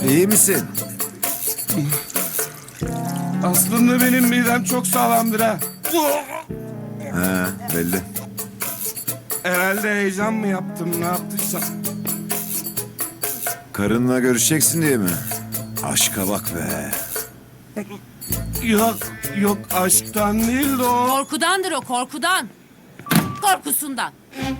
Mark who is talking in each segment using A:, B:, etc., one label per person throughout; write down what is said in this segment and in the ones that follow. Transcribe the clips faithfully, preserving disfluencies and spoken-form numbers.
A: İyi misin?
B: Aslında benim midem çok sağlamdır ha.
A: He, belli.
B: Herhalde heyecan mı yaptım, ne yaptıysam.
A: Karınla görüşeceksin diye mi? Aşka bak be.
B: Yok, yok aşktan değil de o.
C: Korkudandır o, korkudan. Korkusundan.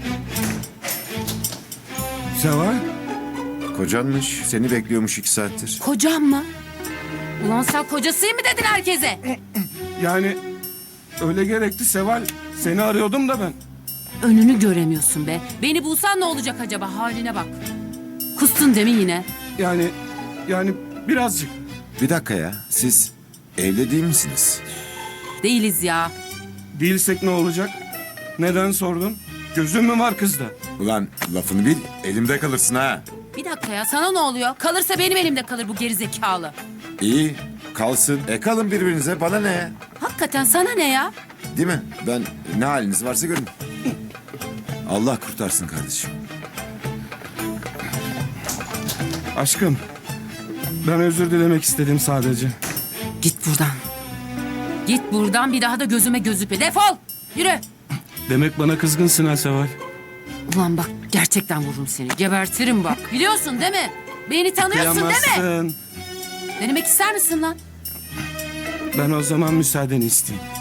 B: Seval,
A: Kocanmış. Seni bekliyormuş iki saattir.
C: Kocam mı? Ulan sen kocasıyım mı dedin herkese?
B: yani öyle gerekti Seval. Seni arıyordum da ben.
C: Önünü göremiyorsun be. Beni bulsan ne olacak acaba? Haline bak. Kustun değil mi yine?
B: Yani, yani birazcık.
A: Bir dakika ya. Siz evli değil misiniz?
C: Değiliz ya.
B: Değilsek ne olacak? Neden sordun? Gözün mü var kızda?
A: Ulan lafını bil. Elimde kalırsın ha.
C: Bir dakika ya, sana ne oluyor? Kalırsa benim elimde kalır bu gerizekalı.
A: İyi. Kalsın. E kalın birbirinize. Bana ne?
C: Hakikaten sana ne ya?
A: Değil mi? Ben ne haliniz varsa görün. Allah kurtarsın kardeşim.
B: Aşkım, ben özür dilemek istedim sadece.
C: Git buradan. Git buradan, bir daha da gözüme gözükme. Defol! Yürü!
B: Demek bana kızgınsın ha Seval.
C: Ulan bak, gerçekten vururum seni. Gebertirim bak. Biliyorsun değil mi? Beni tanıyorsun değil mi?
B: Kıyamazsın.
C: Denemek ister misin lan?
B: Ben o zaman müsaadeni isteyeyim.